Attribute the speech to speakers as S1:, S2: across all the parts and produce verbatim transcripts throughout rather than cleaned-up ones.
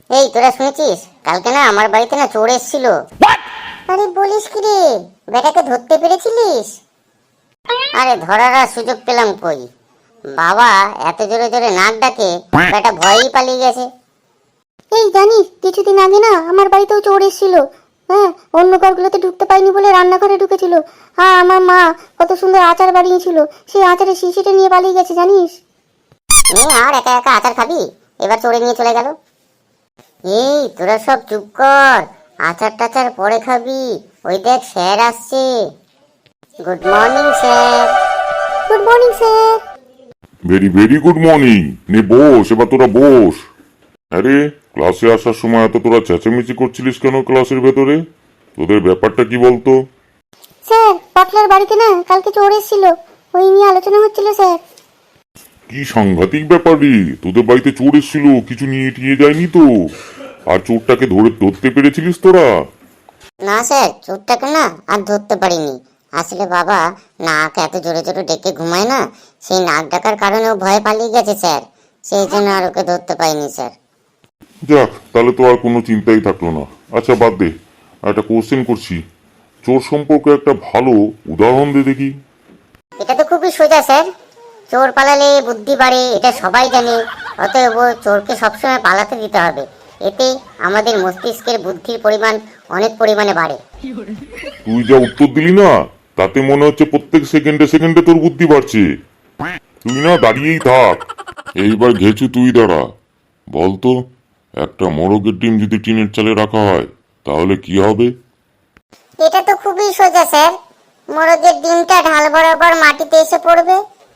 S1: এই তোরা শুনেছিস কালকে না আমার বাড়িতে না চোর এসেছিল। আরে বলিস কি রে, বেটাকে ধরতে পেরেছিলিস? আরে ধরার আর সুযোগ পেলাম কই, বাবা এত জোরে জোরে নাক ডাকে বেটা ভয়ই পালিয়ে গেছে।
S2: এই জানিস কিছুদিন আগে না আমার বাড়িতেও চোর এসেছিল। হ্যাঁ, অন্য ঘরগুলোতে ঢুকতে পাইনি বলে রান্নাঘরে ঢুকেছিল। হ্যাঁ, আমার মা কত সুন্দর আচার বানিয়েছিল, সেই আচারের শিশিটা নিয়ে পালিয়ে গেছে জানিস।
S1: নে আর একা একা আচার খাবি, এবার চোরে নিয়ে চলে গেল। এই তোরা সব চুপ কর, আচার টাচার পরে খাবি। ওই দেখ স্যার আসছে। Good morning sir.
S2: Good morning sir.
S3: Very very good morning. নে বস, এবার তোরা বস। আরে ক্লাসে আসার সময় এত তোরা চেঁচামেচি করছিলিস কেন ক্লাসের ভেতরে? তোদের ব্যাপারটা কি বলতো?
S2: স্যার, পটলার বাড়িতে না কালকে চোর এসেছিল, ওই নিয়ে আলোচনা হচ্ছিল স্যার।
S3: কি সাংঘাতিক ব্যাপার রে, তোদের বাড়িতে চোর এসেছিল, কিছু নিয়ে টিয়ে যায়নি তো? আর চোরটাকে ধরে ধরতে পেরেছিলিস তোরা?
S1: না স্যার, চোরটাকে না আর ধরতে পারিনি। আসলে বাবা নাক এত জোরে জোরে ডেকে ঘুমায় না, সেই নাক ডাকার কারণে ও ভয়ে পালিয়ে গেছে স্যার, সেই জন্য আর ওকে ধরতে পাইনি স্যার।
S3: যাক, তাহলে তো আর কোনো চিন্তাই থাকলো না। আচ্ছা বাদ দে, একটা কোশ্চেন করছি, চোর সম্পর্কে একটা ভালো উদাহরণ দে দেখি।
S1: এটা তো খুবই সোজা স্যার, চোর পালালে বুদ্ধি বাড়ে, এটা সবাই জানে। অতএব চোরকে সবসময় পালাতে দিতে হবে, এতে আমাদের মস্তিষ্কের বুদ্ধির পরিমাণ অনেক পরিমাণে বাড়ে।
S3: তুই যা উত্তর দিলি না, তাতে মনে হচ্ছে প্রত্যেক সেকেন্ডে সেকেন্ডে তোর বুদ্ধি বাড়ছে। তুই না দাঁড়িয়েই থাক, এইবার ঘেছু তুই দাঁড়া। বলতো, একটা মোরগের ডিম যদি টিনের চালে রাখা হয় তাহলে কি হবে?
S1: এটা তো খুবই সোজা স্যার, মোরগের ডিমটা ঢাল বরাবর মাটিতে এসে পড়বে।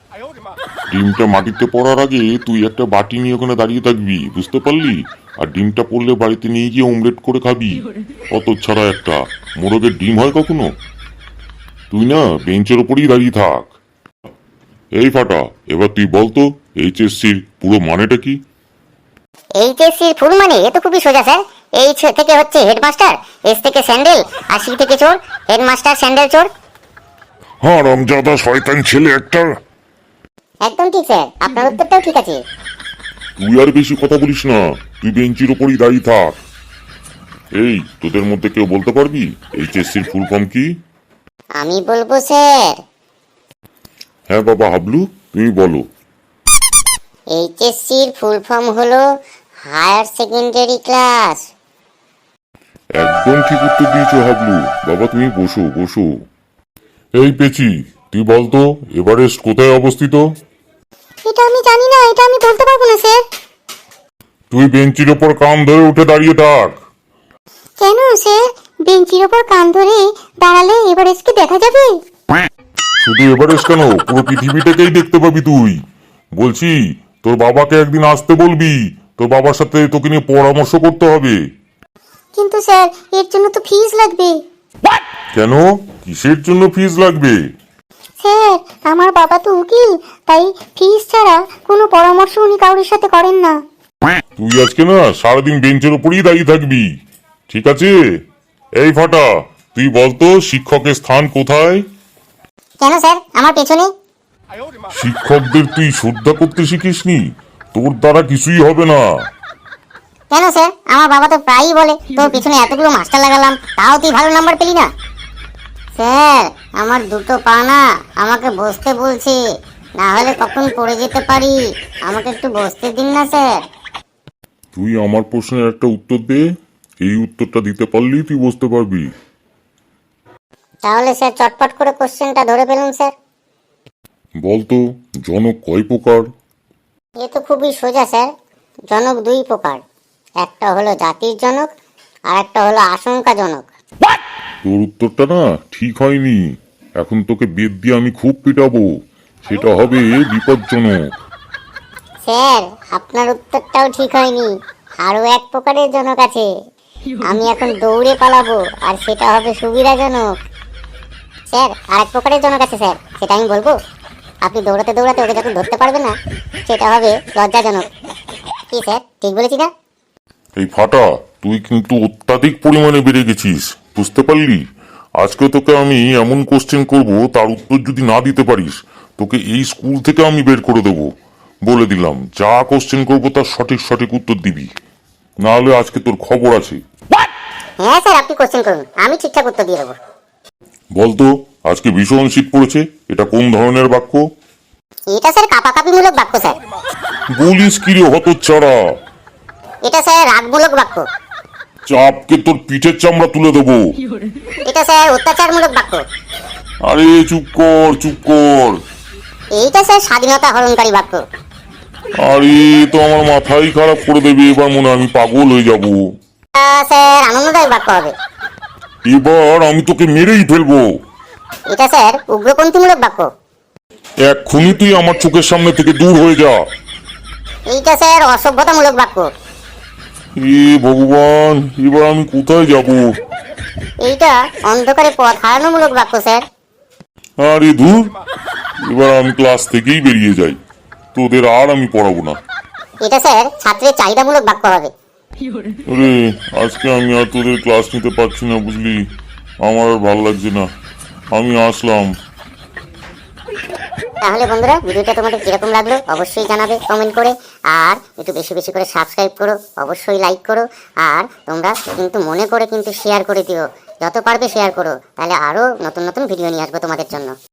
S3: ডিমটা মাটিতে পড়ার আগে তুই একটা বাটি নিয়ে ওখানে দাঁড়িয়ে থাকবি, বুঝতে পারলি? আর ডিমটা পড়লে বাড়িতে নিয়ে গিয়ে অমলেট করে খাবি। অত ছাড়া একটা মোরগের ডিম হয় কখনো? তুই না বেঞ্চের ওপরেই দাঁড়িয়ে থাক। এই ফাটা, এবার তুই বলতো এইচএসসির পুরো মানেটা কি?
S1: এইচএসসির ফুল মানে এ তো খুবই সোজা স্যার, এইচ থেকে হচ্ছে হেডমাস্টার, এস থেকে স্যান্ডেল, আর সি থেকে চোর। হেডমাস্টার স্যান্ডেল চোর।
S3: হ্যাঁ রমজাদা শয়তান ছেলে একটা।
S1: একদম ঠিক স্যার, আপনার উত্তরটাও ঠিক আছে।
S3: তুই আর বেশি কথা বলিস না, তুই বেঞ্চের ওপরই দাঁড়িয়ে থাক। এই তোদের মধ্যে কেউ বলতে পারবি এইচএসসির ফুল ফর্ম কি?
S1: আমি বলবো স্যার।
S3: হ্যাঁ বাবা হাবলু, তুমি বলো।
S1: এইচএসসির ফুল ফর্ম হলো হায়ার সেকেন্ডারি ক্লাস।
S3: একদম ঠিক উত্তর দিয়েছো হাবলু। বাবা তুমি বসো বসো। এই পেচি, তুই বলতো এভারেস্ট কোথায় অবস্থিত?
S2: এটা আমি জানি না, এটা আমি বলতে পারবো না স্যার।
S3: তুই বেঞ্চির ওপর কান ধরে উঠে দাঁড়িয়ে থাক।
S2: কেন স্যার, বেঞ্চির ওপর কান ধরে দাঁড়ালে এভারেস্টকে দেখা যাবে?
S3: শুধু এভারেস্ট কেন, পুরো পৃথিবীটাকেই দেখতে পাবি তুই। বলছি তোর বাবাকে একদিন আসতে বলবি, তোর বাবার সাথে তোকে নিয়ে পরামর্শ করতে হবে।
S2: কিন্তু স্যার, এর জন্য তো ফিস লাগবে।
S3: কেন, কিসের জন্য ফিস লাগবে?
S2: স্যার, আমার বাবা তো উকিল, তাই ফিস ছাড়া কোনো পরামর্শ উনি কারোর সাথে করেন না।
S3: তুই আজকে না সারাদিন বেঞ্চের ওপরেই দাঁড়িয়ে থাকবি, ঠিক আছে? এই ফাটা, তুই বলতো শিক্ষকের স্থান কোথায়?
S1: কেন স্যার, আমার পেছনে।
S3: শিক্ষকদের তুই শ্রদ্ধা করতে শিখিসনি, তোর দ্বারা কিছুই হবে না।
S1: কেন স্যার, আমার বাবা তো প্রায়ই বলে তোর পিছনে এতগুলো মাস্টার লাগালাম, তাও তুই ভালো নাম্বার পেলি না। স্যার, আমার দুটো পা না, আমাকে বসতে বলছে, না হলে কখন পড়ে যেতে পারি, আমাকে একটু বসতে দিন না স্যার।
S3: তুই আমার প্রশ্নের একটা উত্তর দে, এই উত্তরটা দিতে পারলেই তুই বুঝতে পারবি।
S1: তাহলে স্যার চটপট করে কোশ্চেনটা ধরে ফেলুন স্যার।
S3: বলতো জনক কয় প্রকার?
S1: এ তো খুবই সোজা স্যার, জনক দুই প্রকার, একটা হলো জাতির জনক আর একটা হলো আশঙ্কাজনক।
S3: তোর উত্তরটা না ঠিক হয়নি, এখন তোকে বেদ দিয়ে আমি খুব পিটাবো, সেটা হবে বিপজ্জনক।
S1: স্যার, আপনার উত্তরটাও ঠিক হয়নি, আরো এক প্রকারের জনক আছে, আমি এখন দৌড়ে পালাবো আর সেটা হবে সুবিধাজনক। স্যার, আর এক প্রকারের জনক আছে স্যার, সেটা আমি বলবো, আপনি দৌড়াতে দৌড়াতে ওকে যখন ধরতে পারবেন না, সেটা হবে লজ্জাজনক। কি স্যার, ঠিক বলেছি না?
S3: এই ফাটা, তুই কিন্তু অত্যাধিক পরিমাণে বেড়ে গেছিস, বুঝতে পারলি? আজকে তোকে আমি এমন কোশ্চেন করব, তার উত্তর যদি না দিতে পারিস তোকে এই স্কুল থেকে আমি বের করে দেবো। বলে দিলাম, যা কোশ্চেন করবো তার সঠিক সঠিক উত্তর দিবি। না হলে আজকে তোর খবর আছে।
S1: হ্যাঁ স্যার, আপনি কোশ্চেন করুন, আমি ঠিকঠাক উত্তর দিয়ে দেবো।
S3: বলতো আজকে ভীষণ শীত পড়েছে, এটা কোন ধরনের বাক্য?
S1: এটা স্যার কাপাকাপিমূলক বাক্য স্যার।
S3: বলিস কি রে হতচ্ছাড়া?
S1: এটা স্যার রাগমূলক বাক্য।
S3: চাপকে তোর পিঠের চামড়া তুলে দেবো।
S1: এটা স্যার অত্যাচারমূলক বাক্য।
S3: আরে চুপ কর চুপ কর।
S1: এইটা স্যার স্বাধীনতা হরণকারী বাক্য।
S3: আরে তো আমার মাথাই খারাপ করে দেবে, এবার মনে হয় আমি পাগল হয়ে যাব।
S1: এটা স্যার আনন্দদায়ক বাক্য হবে।
S3: এবার আমি তোকে মেরেই ফেলবো।
S1: এটা স্যার উগ্রপন্থীমূলক বাক্য।
S3: এক্ষুনি তুই আমার চোখের সামনে থেকে দূর হয়ে যা।
S1: এইটা স্যার অসভ্যতামূলক বাক্য।
S3: এ ভগবান, এবার আমি কোথায় যাব?
S1: এইটা অন্ধকারে পথ হারানোমূলক বাক্য স্যার।
S3: আরে ধুর, এবার আমি ক্লাস থেকেই বেরিয়ে যাই, তোদের আর আমি পড়াবো না।
S1: এটা স্যার ছাত্রের চাহিদামূলক বাক্য হবে।
S3: আরে আজকে আমি আর তোদের ক্লাস নিতে পারছি না, বুঝলি? আমার আর ভালো লাগছে না, আমি আসলাম।
S1: তাহলে বন্ধুরা, ভিডিওটা তোমাদের কিরকম লাগলো অবশ্যই জানাবে কমেন্ট করে। আর একটু বেশি বেশি করে সাবস্ক্রাইব করো, অবশ্যই লাইক করো। আর তোমরা কিন্তু মনে করে কিন্তু শেয়ার করে দিও, যত পারবে শেয়ার করো, তাহলে আরও নতুন নতুন ভিডিও নিয়ে আসবো তোমাদের জন্য।